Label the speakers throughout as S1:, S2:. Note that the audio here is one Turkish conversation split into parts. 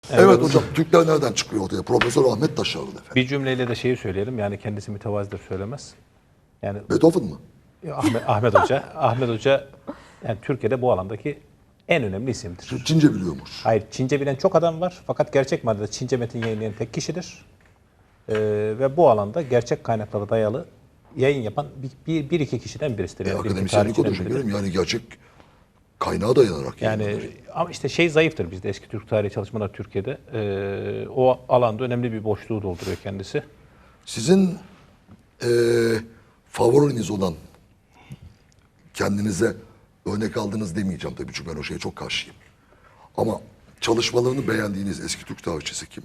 S1: Evet hocam, Türkler nereden çıkıyor ortaya? Profesör Ahmet Taşarlı efendim.
S2: Bir cümleyle de şeyi söyleyelim. Yani kendisi mütevazidir söylemez. Yani
S1: Beethoven mı?
S2: Ahmet Hoca, Ahmet Hoca yani Türkiye'de bu alandaki en önemli isimdir.
S1: Çince biliyormuş.
S2: Hayır, Çince bilen çok adam var. Fakat gerçek manada Çince metin yayınlayan tek kişidir. Ve bu alanda gerçek kaynaklara dayalı yayın yapan bir iki kişiden birisidir. Yani bir iki
S1: Akademisyenlik odur
S2: tarihçiden biridir.
S1: şekerim. Yani gerçek kaynağa dayanarak.
S2: Yani ama işte şey zayıftır bizde eski Türk tarihi çalışmalar Türkiye'de. O alanda önemli bir boşluğu dolduruyor kendisi.
S1: Sizin favoriniz olan, kendinize örnek aldınız demeyeceğim tabii, çünkü ben o şeye çok karşıyım. Ama çalışmalarını beğendiğiniz eski Türk tarihçisi kim?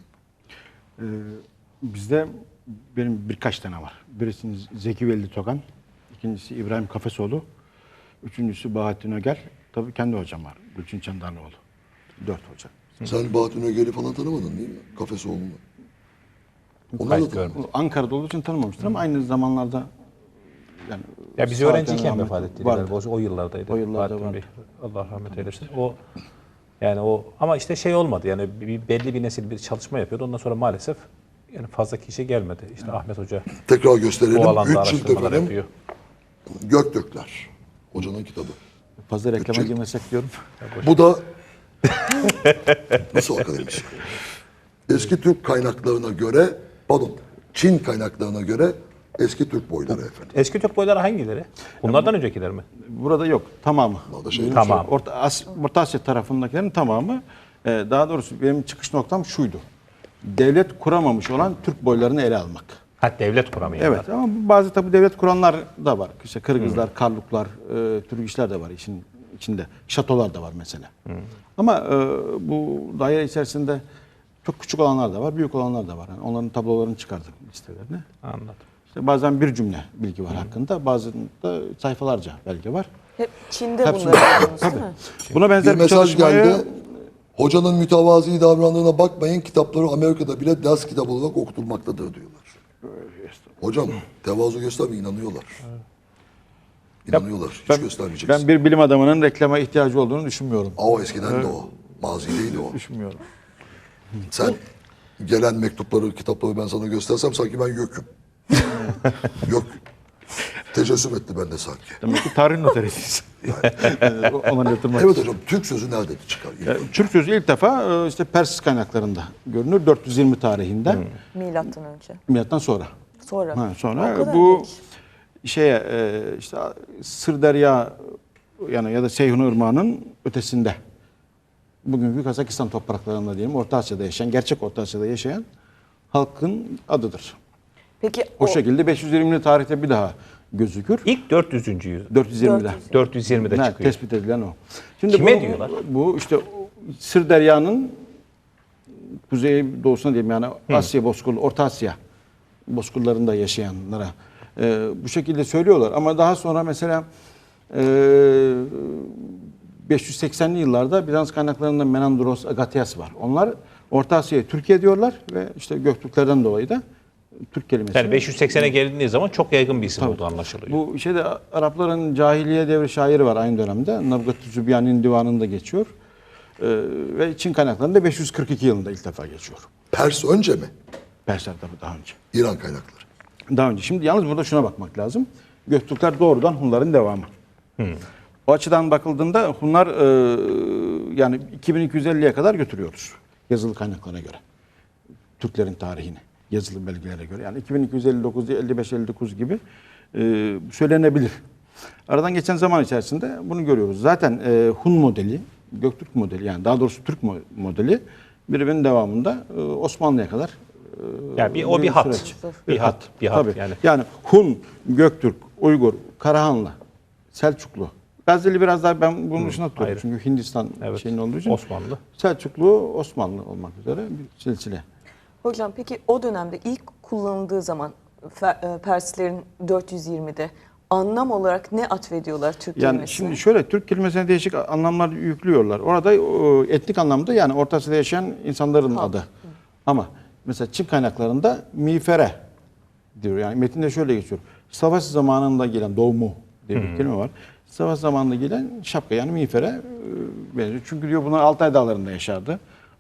S3: Bizde benim birkaç tane var. Birisi Zeki Veli Tokan, ikincisi İbrahim Kafesoğlu, üçüncüsü Bahattin Öger. Tabii kendi hocam var, Gülçin Çandarlıoğlu. 4 hoca.
S1: Sen Bahattin Öger'i falan tanımadın değil mi? Kafesoğlu'nu. Onlar da tanımadın.
S3: Ankara'da olduğu için tanımamıştır ama aynı zamanlarda yani
S2: Ya biz
S3: sağ
S2: öğrenciyken
S3: rahmet
S2: vefat etti.
S3: vardı.
S2: Galiba. O yıllardaydı.
S3: O yıllarda
S2: Bahattin
S3: vardı.
S2: Bey. Allah rahmet eylesin. O ama işte şey olmadı. Yani belli bir nesil bir çalışma yapıyordu. Ondan sonra maalesef yani fazla kişi gelmedi. İşte Ahmet Hoca
S1: Tekrar gösterelim.
S2: bu alanda
S1: 3 cilt
S2: araştırmalar
S1: efendim.
S2: yapıyor.
S1: Gökdökler. Hocanın kitabı.
S3: Fazla reklama
S1: Bütçe-
S3: girmesek diyorum.
S1: Bu da nasıl akademisyen? Eski Türk kaynaklarına göre, pardon, Çin kaynaklarına göre eski Türk boyları efendim.
S2: Eski Türk boyları hangileri? Bunlardan öncekiler mi?
S3: Burada yok, tamamı.
S1: Bunlar da şey-
S2: Tamam.
S3: Orta Asya tarafındakilerin tamamı, daha doğrusu benim çıkış noktam şuydu. Devlet kuramamış olan Türk boylarını ele almak.
S2: Ha devlet kuramıyor.
S3: Evet ama bazı tabii devlet kuranlar da var. İşte Kırgızlar, Karluklar, Türk işler de var işin içinde. Şatolar da var mesela. Ama bu daire içerisinde çok küçük olanlar da var, büyük olanlar da var. Yani onların tablolarını çıkardık listelerini.
S2: Anladım.
S3: İşte bazen bir cümle bilgi var hakkında, bazılarında sayfalarca belge var.
S4: Hep Çin'de
S3: Hepsinde.
S4: bunları yapıyorsunuz değil mi?
S3: Buna benzer
S1: Bir
S3: bir
S1: mesaj
S3: çalışmayı
S1: geldi. Hocanın mütevazi davrandığına bakmayın, kitapları Amerika'da bile ders kitabı olarak okutulmaktadır diyorlar. Hocam tevazu göstermeyin, inanıyorlar. İnanıyorlar. Hiç göstermeyeceksin.
S3: ben bir bilim adamının reklama ihtiyacı olduğunu düşünmüyorum.
S1: O eskiden de o. Mazideydi o.
S3: Düşünmüyorum.
S1: Sen gelen mektupları, kitapları ben sana göstersem sanki ben YÖK'üm. YÖK tecessüm etti bende sanki.
S3: Demek ki tarih noterisiyiz. Ona yatırmak
S1: Evet
S3: için.
S1: hocam, Türk sözü nerede çıkar?
S3: Türk sözü ilk defa işte Pers kaynaklarında görünür. 420 tarihinde.
S4: Milattan önce.
S3: Milattan sonra.
S4: Sonra.
S3: Ha,
S4: O
S3: sonra
S4: kadar
S3: bu
S4: geç.
S3: şeye işte Sırdarya yani ya da Seyhun Irmağı'nın ötesinde bugünkü Kazakistan topraklarında diyelim Orta Asya'da yaşayan, gerçek Orta Asya'da yaşayan halkın adıdır.
S4: Peki
S3: O şekilde 520'li tarihte bir daha gözükür.
S2: İlk 400. yüzyıl.
S3: 420'de.
S2: 420'de
S3: Evet,
S2: çıkıyor.
S3: tespit edilen o. Şimdi
S2: Kime diyorlar?
S3: Bu işte Sırderya'nın kuzey doğusuna diyeyim yani Asya bozkuru, Orta Asya bozkırlarında yaşayanlara bu şekilde söylüyorlar. Ama daha sonra mesela 580'li yıllarda Bizans kaynaklarında Menandros, Agatias var. Onlar Orta Asya'ya Türkiye diyorlar ve işte Göktürklerden dolayı da Türk kelimesi.
S2: Yani 580'e gelindiği zaman çok yaygın bir isim olduğu anlaşılıyor.
S3: Bu şeyde Arapların cahiliye devri şairi var aynı dönemde. Nabgat-ı Zübyan'ın divanında geçiyor. Ve Çin kaynaklarında 542 yılında ilk defa geçiyor.
S1: Pers önce mi?
S3: Persler tabii daha önce.
S1: İran kaynakları.
S3: Daha önce. Şimdi yalnız burada şuna bakmak lazım. Göktürkler doğrudan Hunların devamı. O açıdan bakıldığında Hunlar yani 2250'ye kadar götürüyoruz. Yazılı kaynaklara göre. Türklerin tarihini. Yazılı belgelere göre. Yani 2259, 55-59 gibi söylenebilir. Aradan geçen zaman içerisinde bunu görüyoruz. Zaten Hun modeli, Göktürk modeli yani daha doğrusu Türk modeli birbirinin devamında Osmanlı'ya kadar
S2: Yani o bir hat.
S3: süreç.
S2: Bir hat.
S3: Tabii.
S2: Yani.
S3: Yani Hun, Göktürk, Uygur, Karahanlı, Selçuklu. Gazze'li biraz daha ben bunun dışına tutuyorum.
S2: ayrı.
S3: Çünkü Hindistan
S2: Evet.
S3: şeyinin olduğu için.
S2: Osmanlı.
S3: Selçuklu, Osmanlı olmak üzere bir silsile.
S4: Hocam peki o dönemde ilk kullanıldığı zaman Perslerin 420'de anlam olarak ne atfediyorlar Türk
S3: Yani
S4: kelimesine?
S3: şimdi şöyle Türk kelimesine değişik anlamlar yüklüyorlar. Orada etnik anlamda yani Orta Asya'da yaşayan insanların adı. Ama mesela Çin kaynaklarında miğfere diyor. Yani metinde şöyle geçiyor. Savaş zamanında gelen doğumu diye bir kelime var. Savaş zamanında gelen şapka yani miğfere benziyor. Çünkü diyor bunlar Altay dağlarında yaşardı.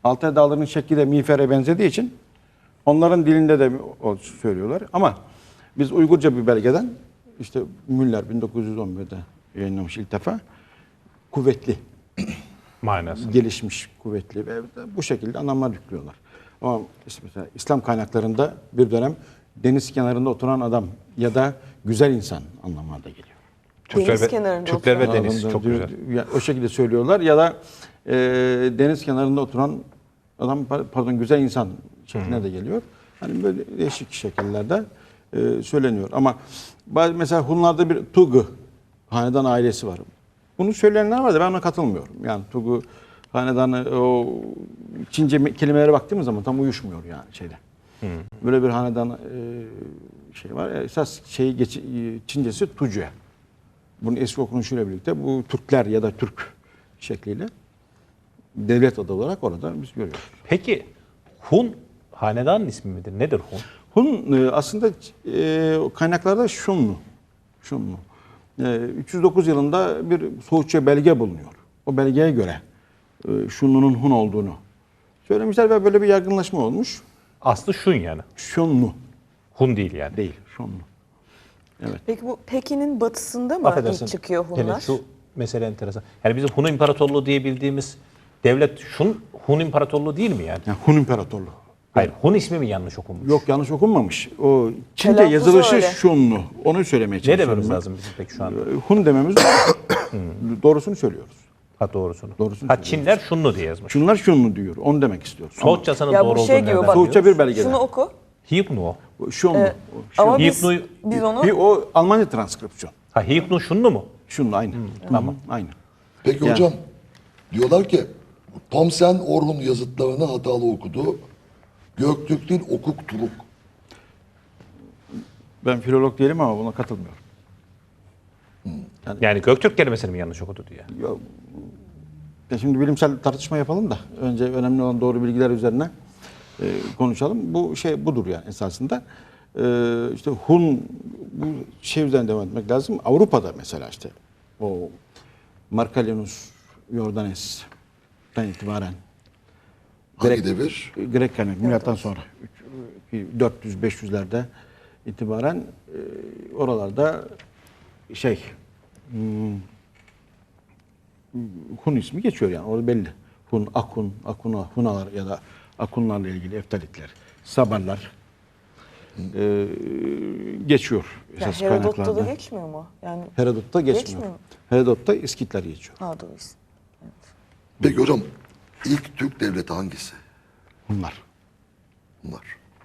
S3: Altay Dağları'nın şekli de miğfere benzediği için onların dilinde de o söylüyorlar. Ama biz Uygurca bir belgeden işte Müller 1911'de yayınlamış ilk defa kuvvetli,
S2: Manası.
S3: gelişmiş, kuvvetli ve bu şekilde anlamlar yüklüyorlar. Ama işte mesela İslam kaynaklarında bir dönem deniz kenarında oturan adam ya da güzel insan anlamına da geliyor.
S4: Deniz kenarında
S2: Türkler ve
S4: oturan.
S2: deniz çok güzel.
S3: O şekilde söylüyorlar ya da deniz kenarında oturan adam pardon güzel insan şekline de geliyor. Hani böyle değişik şekillerde söyleniyor. Ama mesela Hunlarda bir Tugu hanedan ailesi var. Bunu söyleyenler var da ben ona katılmıyorum. Yani Tugu hanedanı o Çince kelimelere baktığımız zaman tam uyuşmuyor yani şeyde. Böyle bir hanedan şey var. Esas Çincesi Tucu'ya. Bunun eski okunuşuyla birlikte bu Türkler ya da Türk şekliyle devlet adı olarak orada biz görüyoruz.
S2: Peki Hun hanedanın ismi midir? Nedir Hun?
S3: Hun aslında kaynaklarda Şunlu. 309 yılında bir Soğutça belge bulunuyor. O belgeye göre Şunlu'nun Hun olduğunu söylemişler ve böyle bir yaygınlaşma olmuş.
S2: Aslı Şun yani.
S3: Şunlu
S2: Hun değil yani.
S3: değil, Şunlu.
S4: Peki bu Pekin'in batısında mı
S2: Affedersin.
S4: ilk çıkıyor
S2: Pelin,
S4: Hunlar?
S2: şu mesele enteresan. Yani bizim Hun İmparatorluğu diye bildiğimiz devlet Hun İmparatorluğu değil mi yani?
S3: Yani Hun İmparatorluğu.
S2: Hayır, Hun ismi mi yanlış okunmuş?
S3: Yok yanlış okunmamış. O Çince
S4: Telaffuzu
S3: yazılışı
S4: öyle.
S3: Şunlu. Onu söylemeye
S2: Ne
S3: çalışıyorum.
S2: dememiz
S3: ben.
S2: lazım bizim peki şu anda?
S3: Hun dememiz doğrusunu söylüyoruz.
S2: Ha doğrusunu.
S3: Doğrusunu
S2: Ha
S3: söylüyoruz.
S2: Çinler Şunlu diye yazmış.
S3: Şunlar Şunlu diyor. Onu demek istiyoruz.
S2: Soğutçasının
S4: Ya bu
S2: doğru
S4: şey
S2: olduğunu
S4: gibi
S2: nereden
S4: bak-
S3: Soğutça
S2: biliyoruz?
S3: bir belgede.
S4: Şunu oku.
S2: Hipnu o.
S3: Şunlu.
S4: Ama biz
S2: Hipnu-
S4: onu
S3: O Almanca transkripsiyon.
S2: Ha Hipnu Şunlu mu?
S3: Şunlu aynı. Tamam. Aynı.
S1: Peki
S3: Yani.
S1: hocam diyorlar ki Thomsen Orhun yazıtlarını hatalı okudu. Göktürk değil Okuk Turuk.
S3: Ben filolog değilim ama buna katılmıyorum.
S2: Yani Göktürk kelimesini mi yanlış okudu diye.
S3: Ya şimdi bilimsel tartışma yapalım da önce önemli olan doğru bilgiler üzerine konuşalım. Bu şey budur yani esasında. İşte Hun bu şey üzerine devam etmek lazım. Avrupa'da mesela işte o Marcellinus Jordanes'ten itibaren
S1: Hangi devir?
S3: Grek kaynak milattan sonra 400-500'lerde itibaren oralarda şey Hun ismi geçiyor yani orada belli. Hun, Akun, Akuna, Hunalar ya da Akunlarla ilgili Eftalitler, Sabarlar geçiyor
S4: yani
S3: esas
S4: Herodot'ta da
S3: kaynaklarda.
S4: geçmiyor mu? Yani
S3: Herodot'ta geçmiyor.
S4: Geçmiyor mu?
S3: Herodot'ta İskitler geçiyor.
S4: ha doğrusu.
S1: Peki hocam ilk Türk devleti hangisi?
S3: Hunlar.
S1: Bunlar.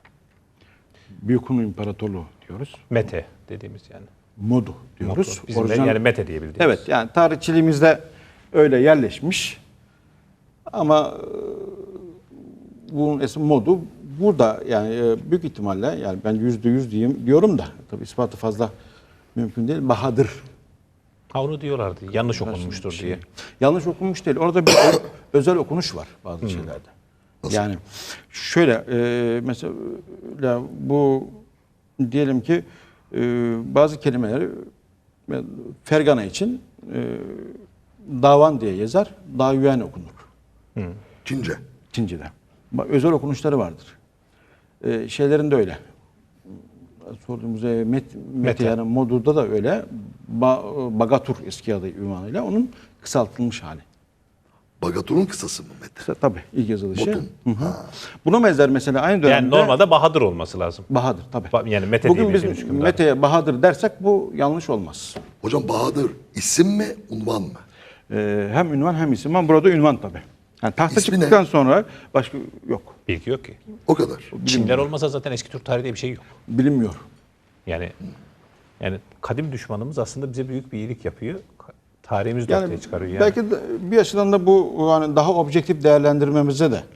S3: Büyük Hun İmparatorluğu diyoruz.
S2: Mete dediğimiz yani.
S3: Modu diyoruz.
S2: Bizim de
S3: Orijinal-
S2: yani Mete diye bildiğimiz.
S3: Evet yani tarihçiliğimizde öyle yerleşmiş ama bunun eski modu burada yani büyük ihtimalle yani ben %100 diyeyim diyorum da tabii ispatı fazla mümkün değil. Bahadır.
S2: Ha onu diyorlardı. Yanlış okunmuştur diye.
S3: Yanlış okunmuş değil. Orada bir özel okunuş var bazı şeylerde. Yani şöyle mesela bu diyelim ki bazı kelimeleri Fergana için davan diye yazar. Davyen okunur.
S1: Çince.
S3: Çince'de. Özel okunuşları vardır. Şeylerin de öyle. Sorduğumuz Mete yani Modur'da da öyle. Bagatur eski adı ünvanıyla onun kısaltılmış hali.
S1: Bagatur'un kısası mı Mete?
S3: Tabii ilk yazılışı.
S1: Botun.
S3: Buna benzer mesela aynı dönemde
S2: Yani normalde Bahadır olması lazım.
S3: Bahadır tabii.
S2: Yani Mete
S3: Bugün
S2: diye
S3: biz
S2: bildiğimiz hükümdar.
S3: Mete'ye Bahadır dersek bu yanlış olmaz.
S1: Hocam Bahadır isim mi unvan mı?
S3: Hem ünvan hem isim ama burada ünvan tabii. Yani tahta
S1: İsmi
S3: çıktıktan
S1: ne?
S3: sonra başka yok.
S2: Bilgi yok ki.
S1: O kadar.
S2: Çinler olmasa zaten eski Türk tarihi diye bir şey yok.
S3: Bilinmiyor.
S2: Yani kadim düşmanımız aslında bize büyük bir iyilik yapıyor. Tarihimizi de
S3: Yani
S2: ortaya çıkarıyor yani.
S3: belki de bir açıdan da bu yani daha objektif değerlendirmemize de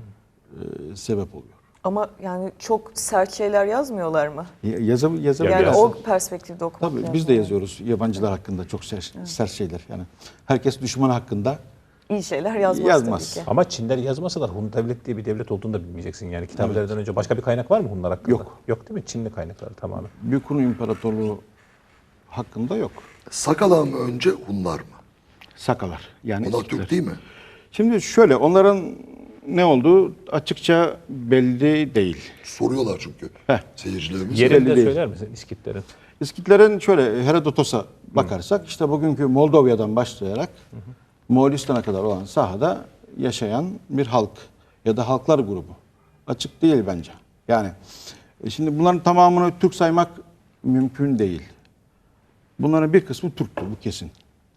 S3: sebep oluyor.
S4: Ama yani çok sert şeyler yazmıyorlar mı?
S3: Yazabiliyoruz.
S4: Yani
S2: biraz-
S4: o perspektifte okumak
S3: Tabii
S4: lazım.
S3: biz de yazıyoruz yabancılar hakkında çok sert şeyler. Yani herkes düşman hakkında
S4: İyi şeyler yazmaz,
S3: Yazmaz.
S4: tabii ki.
S2: Ama Çinler yazmasalar Hun devlet diye bir devlet olduğunu da bilmeyeceksin. Yani kitabelerden önce başka bir kaynak var mı Hunlar hakkında?
S3: Yok.
S2: Yok değil mi? Çinli kaynakları tamamen.
S3: Büyük Hun İmparatorluğu hakkında yok.
S1: Sakalar mı önce Hunlar mı?
S3: Sakalar yani
S1: Onlar
S3: İskitler.
S1: Türk değil mi?
S3: Şimdi şöyle onların ne olduğu açıkça belli değil.
S1: Soruyorlar çünkü
S3: Heh.
S1: seyircilerimiz.
S3: Belli
S2: Yerini de
S3: değil.
S2: söyler misin İskitlerin?
S3: İskitlerin şöyle Herodotos'a bakarsak işte bugünkü Moldova'dan başlayarak Moğolistan'a kadar olan sahada yaşayan bir halk ya da halklar grubu. Açık değil bence. Yani şimdi bunların tamamını Türk saymak mümkün değil. Bunların bir kısmı Türktü, bu kesin.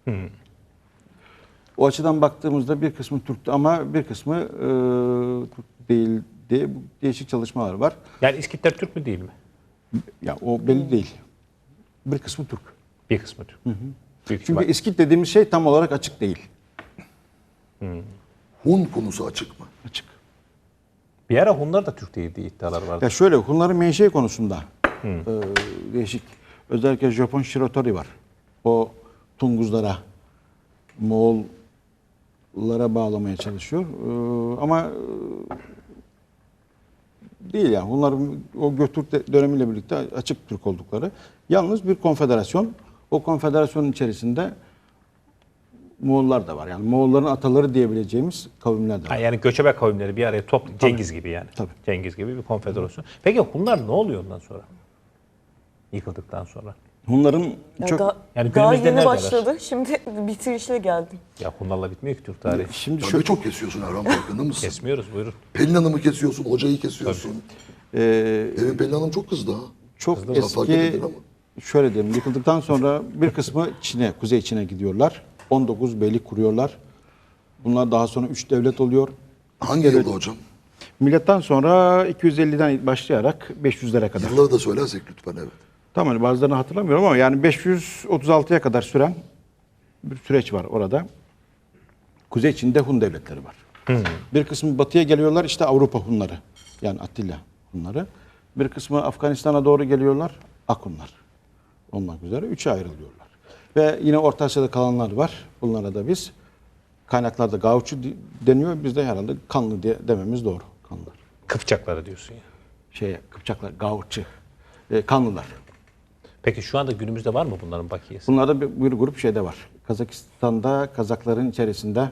S3: O açıdan baktığımızda bir kısmı Türktü ama bir kısmı Türk değil diye değişik çalışmalar var.
S2: Yani İskitler Türk mü değil mi?
S3: Ya o belli değil. Bir kısmı Türk.
S2: Bir kısmı Türk. Büyük
S3: Çünkü
S2: ihtimal.
S3: İskit dediğimiz şey tam olarak açık değil.
S1: Hun konusu açık mı?
S3: Açık.
S2: Bir ara Hunlar da Türk değil diye iddialar vardı.
S3: Ya şöyle Hunların menşei konusunda değişik. Özellikle Japon Shiratori var. O Tunguzlara, Moğollara bağlamaya çalışıyor. Ama değil yani. Hunların o Göktürk dönemiyle birlikte açık Türk oldukları. Yalnız bir konfederasyon. O konfederasyonun içerisinde Moğollar da var. Yani Moğolların ataları diyebileceğimiz kavimler de
S2: Ha,
S3: var.
S2: yani göçebe kavimleri bir araya Cengiz gibi yani.
S3: Tabii.
S2: Cengiz gibi bir konfederasyon. Peki Hunlar ne oluyor ondan sonra? Yıkıldıktan sonra.
S3: Hunların
S4: Ya
S3: çok...
S2: Yani
S4: daha
S2: günümüzde
S4: yeni
S2: neredeler?
S4: başladı. Şimdi bitirişe geldim.
S2: Ya Hunlarla bitmiyor ki Türk tarihi.
S3: Şimdi
S1: Tabii
S3: şu,
S1: çok kesiyorsun Erhan, farkında mısın?
S2: Kesmiyoruz, buyurun.
S1: Pelin Hanım'ı kesiyorsun, hocayı kesiyorsun. Benim Pelin Hanım çok kızdı ha.
S3: çok
S1: Fark
S3: eski,
S1: etmedin ama.
S3: şöyle diyelim, yıkıldıktan sonra bir kısmı Çin'e, Kuzey Çin'e gidiyorlar. 19 beylik kuruyorlar. Bunlar daha sonra 3 devlet oluyor.
S1: Hangi yılda hocam?
S3: Milattan sonra 250'den başlayarak 500'lere kadar.
S1: Yılları da söylersek lütfen, evet.
S3: Tamam, bazılarını hatırlamıyorum ama yani 536'ya kadar süren bir süreç var orada. Kuzey Çin'de Hun devletleri var. Bir kısmı batıya geliyorlar, işte Avrupa Hunları. Yani Attila Hunları. Bir kısmı Afganistan'a doğru geliyorlar, Akunlar. Olmak üzere 3'e ayrılıyorlar. Ve yine Orta Asya'da kalanlar var. Bunlara da biz kaynaklarda Gauçu deniyor. Bizde herhalde Kanlı diye dememiz doğru. Kanlılar.
S2: Kıpçakları diyorsun ya.
S3: Kıpçaklar, Gauçu. Kanlılar.
S2: Peki şu anda günümüzde var mı bunların bakiyesi?
S3: Bunlarda bir grup şeyde var. Kazakistan'da Kazakların içerisinde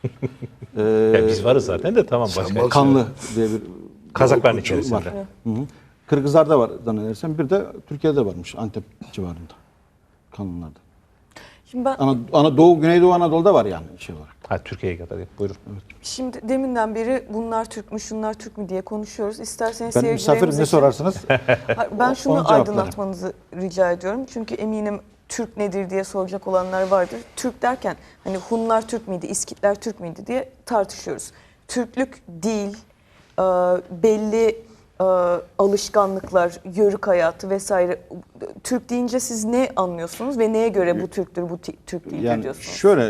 S2: Ya biz varız zaten de tamam başka.
S1: varsın.
S3: Kanlı diye bir
S2: Kazakların
S1: Gauçu
S2: içerisinde.
S3: var. Hı hı. Kırgızlar'da var zannedersem. Bir de Türkiye'de varmış, Antep civarında. Kanlılarda.
S4: Şimdi ben
S3: Anadolu, Güneydoğu Anadolu'da var yani şey olarak.
S2: Ha Türkiye'ye kadar. Buyurun.
S4: Şimdi deminden beri bunlar Türk mü, şunlar Türk mü diye konuşuyoruz. İsterseniz
S3: Ben misafirim,
S4: seyircilerimiz
S3: ne
S4: için-
S3: sorarsınız?
S4: Hayır, ben şunu
S3: Onu cevaplarım.
S4: aydınlatmanızı rica ediyorum. Çünkü eminim Türk nedir diye soracak olanlar vardır. Türk derken hani Hunlar Türk müydü, İskitler Türk müydü diye tartışıyoruz. Türklük dil, belli alışkanlıklar, yörük hayatı vesaire. Türk deyince siz ne anlıyorsunuz ve neye göre bu Türktür, bu Türk değildir
S3: Yani
S4: diyorsunuz?
S3: şöyle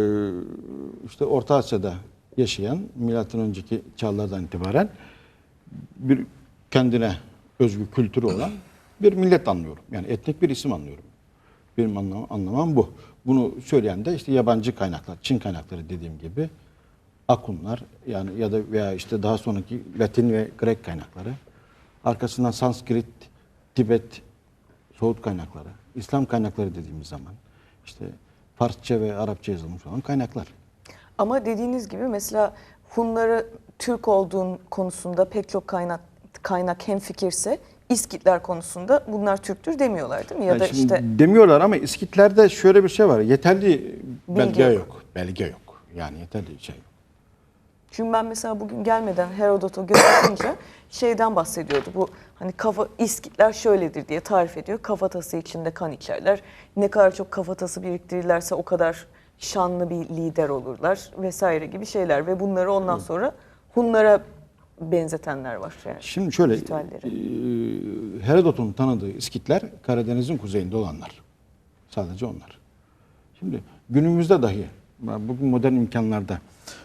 S3: işte Orta Asya'da yaşayan milattan önceki çağlardan itibaren bir kendine özgü kültürü olan bir millet anlıyorum. Yani etnik bir isim anlıyorum. Benim anlamam bu. Bunu söyleyen de işte yabancı kaynaklar, Çin kaynakları dediğim gibi Akunlar yani ya da veya işte daha sonraki Latin ve Grek kaynakları. Arkasından Sanskrit, Tibet, Soğut kaynakları, İslam kaynakları dediğimiz zaman işte Farsça ve Arapça yazılmış olan kaynaklar.
S4: Ama dediğiniz gibi mesela Hunları Türk olduğun konusunda pek çok kaynak hemfikirse İskitler konusunda bunlar Türktür demiyorlar değil mi? Ya
S3: Yani
S4: da
S3: şimdi
S4: işte
S3: demiyorlar ama İskitlerde şöyle bir şey var. Yeterli belge
S4: yok.
S3: yok. Belge yok. Yani yeterli şey yok.
S4: çünkü ben mesela bugün gelmeden Herodot'a göz atınca şeyden bahsediyordu. Bu hani İskitler şöyledir diye tarif ediyor. Kafatası içinde kan içerler. Ne kadar çok kafatası biriktirirlerse o kadar şanlı bir lider olurlar vesaire gibi şeyler ve bunları ondan sonra Hunlara benzetenler var yani.
S3: Şimdi şöyle
S4: ritüelleri.
S3: Herodot'un tanıdığı İskitler Karadeniz'in kuzeyinde olanlar. Sadece onlar. Şimdi günümüzde dahi bugün modern imkanlarda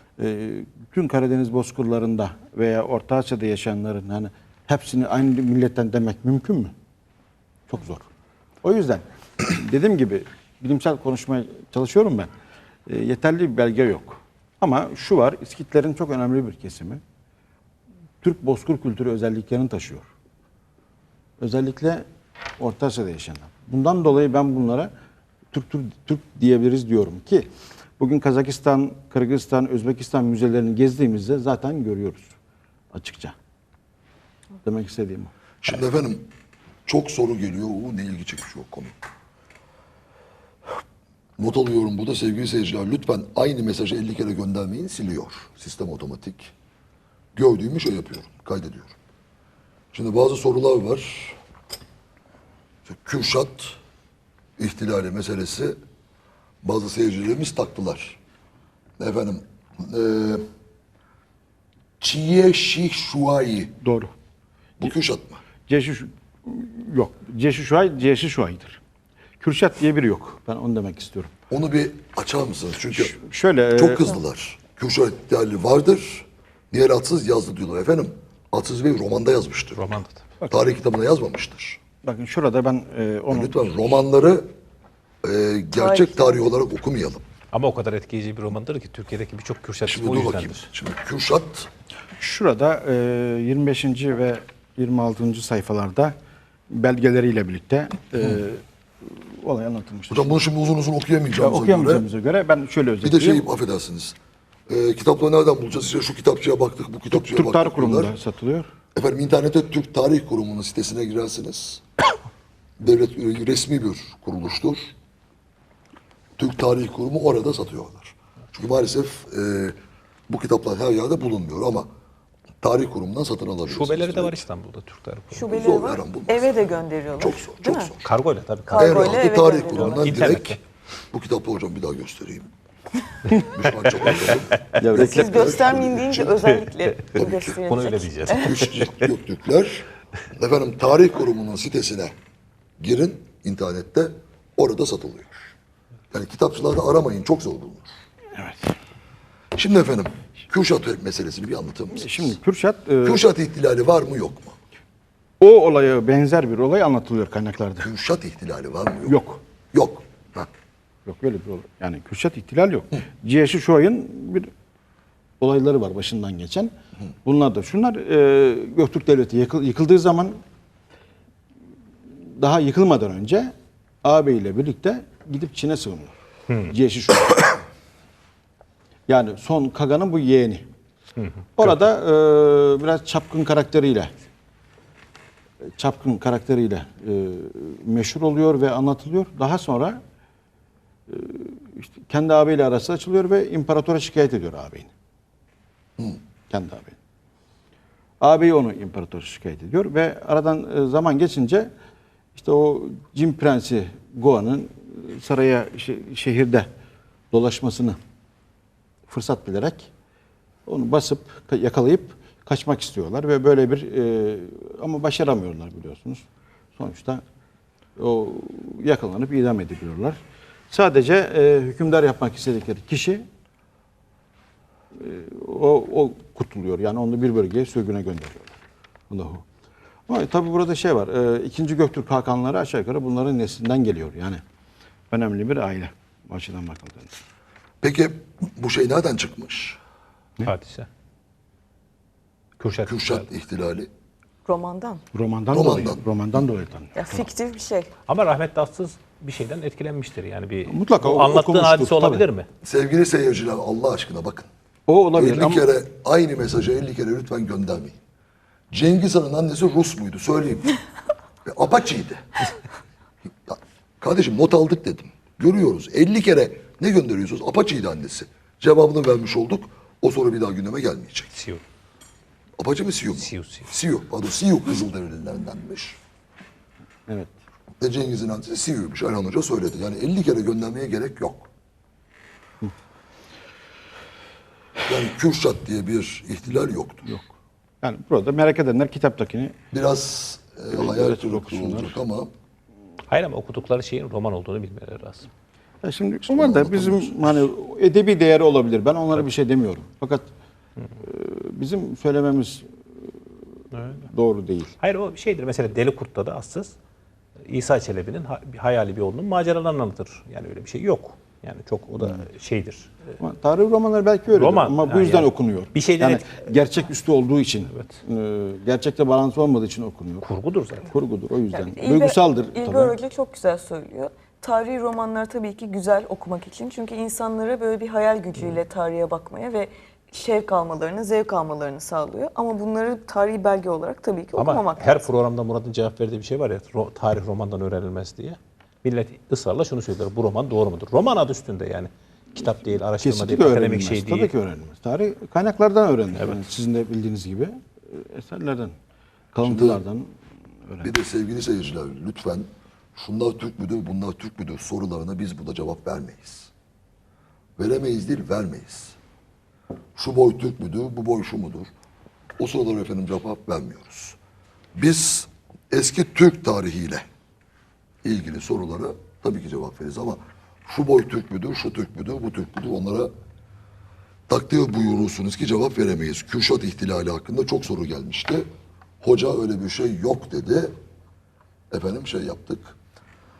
S3: tüm Karadeniz bozkırlarında veya Orta Asya'da yaşayanların hani hepsini aynı milletten demek mümkün mü? Çok zor. O yüzden dediğim gibi bilimsel konuşmaya çalışıyorum ben. Yeterli bir belge yok. Ama şu var, İskitlerin çok önemli bir kesimi Türk bozkır kültürü özelliklerini taşıyor. Özellikle Orta Asya'da yaşayanlar. Bundan dolayı ben bunlara Türk diyebiliriz diyorum ki Bugün Kazakistan, Kırgızistan, Özbekistan müzelerini gezdiğimizde zaten görüyoruz açıkça. Demek istediğim o.
S1: Şimdi efendim çok soru geliyor. Ne ilgi çekici o konu. Not alıyorum burada sevgili seyirciler. Lütfen aynı mesajı 50 kere göndermeyin, siliyor. Sistem otomatik. Gördüğümü şey yapıyorum, kaydediyorum. Şimdi bazı sorular var. İşte Kürşat ihtilali meselesi bazı seyircilerimiz taktılar. Efendim Çiye Şih Şuayi.
S3: Doğru.
S1: Bu Kürşat mı?
S3: Yok. Ceşişuay'dır. Kürşat diye biri yok. Ben onu demek istiyorum.
S1: Onu bir açar mısınız? Çünkü
S3: Şöyle
S1: çok kızdılar. Kürşat ihtilali vardır. Diğer atsız yazdı diyorlar. Efendim Atsız Bey romanda yazmıştır.
S2: Romanda tabii.
S1: Tarih kitabına yazmamıştır.
S3: bakın şurada ben onu
S1: Lütfen romanları gerçek tarih olarak okumayalım.
S2: Ama o kadar etkileyici bir romandır ki Türkiye'deki birçok Kürşat
S1: Şimdi
S2: o
S1: dur bakayım.
S2: yüzdendir.
S1: Şimdi Kürşat
S3: şurada 25. ve 26. sayfalarda belgeleriyle birlikte olay anlatılmıştır.
S1: hocam bunu şimdi uzun uzun
S3: Ya,
S1: okuyamayacağımıza göre
S3: okuyamayacağımıza göre ben şöyle
S1: bir de
S3: özetleyeyim.
S1: şey affedersiniz. Kitapları nereden bulacağız? İşte şu kitapçıya baktık, bu kitapçıya
S3: Türk Tarih
S1: baktık
S3: Kurumu'nda
S1: diyorlar.
S3: satılıyor.
S1: Efendim internette Türk Tarih Kurumu'nun sitesine girersiniz. Devlet resmi bir kuruluştur. Türk Tarih Kurumu orada satıyorlar. Çünkü maalesef bu kitaplar her yerde bulunmuyor ama Tarih Kurumundan satın alabilirsiniz.
S2: Şubeleri de var İstanbul'da Türk Tarih Kurumu.
S4: Şubeleri
S1: Zor,
S4: var.
S1: her an bulmaz.
S4: Eve de gönderiyorlar.
S1: Çok zor,
S4: Değil
S1: çok
S4: mi?
S1: zor.
S2: Kargoyla tabii.
S1: En
S4: Kargoyla
S1: rahatı
S4: eve
S1: Tarih
S4: gönderiyorlar.
S1: Kurumu'ndan
S2: İnternette.
S1: direkt bu kitapla hocam bir daha göstereyim. Müslüman çok bakalım.
S4: Siz göstermeyin deyince özellikle gösterilecek.
S2: Bunu öyle diyeceğiz.
S1: Göktürkler. Efendim Tarih Kurumu'nun sitesine girin internette orada satılıyor. Yani kitapçılarda aramayın çok zor bulunur.
S3: Evet.
S1: Şimdi efendim Kürşat meselesini bir anlatır mısınız?
S3: Şimdi Kürşat
S1: Kürşat ihtilali var mı yok mu?
S3: o olaya benzer bir olay anlatılıyor kaynaklarda.
S1: Kürşat ihtilali var mı yok mu?
S3: Yok.
S1: Yok. Ha.
S3: Yok öyle bir olay. Yani Kürşat ihtilal yok. Ceşişuay'ın bir olayları var başından geçen. Bunlar da şunlar Göktürk Devleti yıkıldığı zaman daha yıkılmadan önce ağabey ile birlikte gidip Çin'e sığınıyor. Ceşişuay. Yani son Kaga'nın bu yeğeni. Orada biraz çapkın karakteriyle meşhur oluyor ve anlatılıyor. Daha sonra işte kendi ağabeyiyle arası açılıyor ve imparatora şikayet ediyor ağabeyini. Kendi ağabeyini. Ağabeyi onu imparatora şikayet ediyor ve aradan zaman geçince işte o Cin Prensi Goa'nın saraya şehirde dolaşmasını fırsat bilerek onu basıp yakalayıp kaçmak istiyorlar ve böyle bir ama başaramıyorlar biliyorsunuz. Sonuçta o yakalanıp idam ediliyorlar. Sadece hükümdar yapmak istedikleri kişi o kurtuluyor. Yani onu bir bölgeye sürgüne gönderiyorlar. Bu da o. Ama tabii burada şey var. İkinci Göktürk Hakanları aşağı yukarı bunların neslinden geliyor. Yani önemli bir aile. Bu açıdan bakıldığında.
S1: Peki bu şey nereden çıkmış?
S2: Hadise. Kürşat.
S1: Kürşat ihtilali.
S4: Romandan.
S3: Romandan dolayı tanıyor.
S4: Ya fiktif bir şey.
S2: Ama rahmetli Atsız bir şeyden etkilenmiştir. Yani bir
S3: Mutlaka
S2: bu anlattığın
S3: okumuştur,
S2: hadise olabilir
S3: tabii.
S2: mi?
S1: Sevgili seyirciler Allah aşkına bakın.
S3: O olabilir
S1: 50
S3: ama
S1: kere aynı mesajı 50 kere lütfen göndermeyin. Cengiz Han'ın annesi Rus muydu söyleyeyim. Ve Apaçıydı. Ya, kardeşim not aldık dedim. Görüyoruz 50 kere ne gönderiyorsunuz? Apaçıydı annesi. Cevabını vermiş olduk. O soru bir daha gündeme gelmeyecek.
S2: Siyo.
S1: Apaçı mı Siyu mu?
S2: Siyu.
S1: Siyu. Pardon Siyu Kızılderililerindenmiş.
S3: evet.
S1: Ve Cengiz'in annesi Siyu'ymuş. Ayhan Hoca söyledi. Yani 50 kere göndermeye gerek yok. Yani Kürşat diye bir ihtilal yoktu.
S3: Yok. Yani burada merak edenler kitaptakini
S1: Biraz hayal
S3: evet,
S1: kırıklığı
S3: okusunlar.
S1: olacak ama
S2: Hayır ama okudukları şeyin roman olduğunu bilmeleri lazım.
S3: ya şimdi onlar da bizim hani edebi değeri olabilir. Ben onlara bir şey demiyorum. Fakat bizim söylememiz doğru değil.
S2: Hayır o şeydir. Mesela Deli Kurt'ta da Assız İsa Çelebi'nin hayali bir oğlunun maceralarını anlatır. Yani öyle bir şey yok. Yani çok o da şeydir.
S3: Ama tarih romanları belki öyle
S2: Roman,
S3: ama bu
S2: yani
S3: yüzden
S2: yani
S3: okunuyor.
S2: bir şeyden
S3: yani gerçeküstü olduğu için, gerçekte bağlantısı olmadığı için okunuyor.
S2: Kurgudur zaten.
S3: Kurgudur o yüzden.
S4: Yani
S3: Duygusaldır
S4: İlber
S3: tabii.
S4: Hoca çok güzel söylüyor. tarihi romanlar tabii ki güzel okumak için. Çünkü insanlara böyle bir hayal gücüyle tarihe bakmaya ve şevk almalarını, zevk almalarını sağlıyor. Ama bunları tarihi belge olarak tabii ki
S2: Ama
S4: okumamak
S2: her
S4: lazım.
S2: programda Murat'ın cevap verdiği bir şey var ya, tarih romandan öğrenilmez diye. Millet ısrarla şunu söylüyor, bu roman doğru mudur? Roman adı üstünde yani. Kitap değil, araştırma
S3: Kesinlikle
S2: değil, akademik
S3: öğrenilmez.
S2: şey değil.
S3: Tabii ki öğrenilmez. Tarih kaynaklardan öğrenilir. Yani sizin de bildiğiniz gibi eserlerden, kalıntılardan öğrenilir.
S1: Bir de sevgili seyirciler lütfen şunlar Türk müdür, bunlar Türk müdür sorularına biz burada cevap vermeyiz. Veremeyiz değil, vermeyiz. Şu boy Türk müdür, bu boy şu mudur? O sorulara efendim cevap vermiyoruz. Biz eski Türk tarihiyle ilgili sorulara tabii ki cevap veririz ama şu boy Türk müdür, şu Türk müdür, bu Türk müdür onlara takdir buyurursunuz ki cevap veremeyiz. Kürşat ihtilali hakkında çok soru gelmişti. Hoca öyle bir şey yok dedi. Efendim şey yaptık.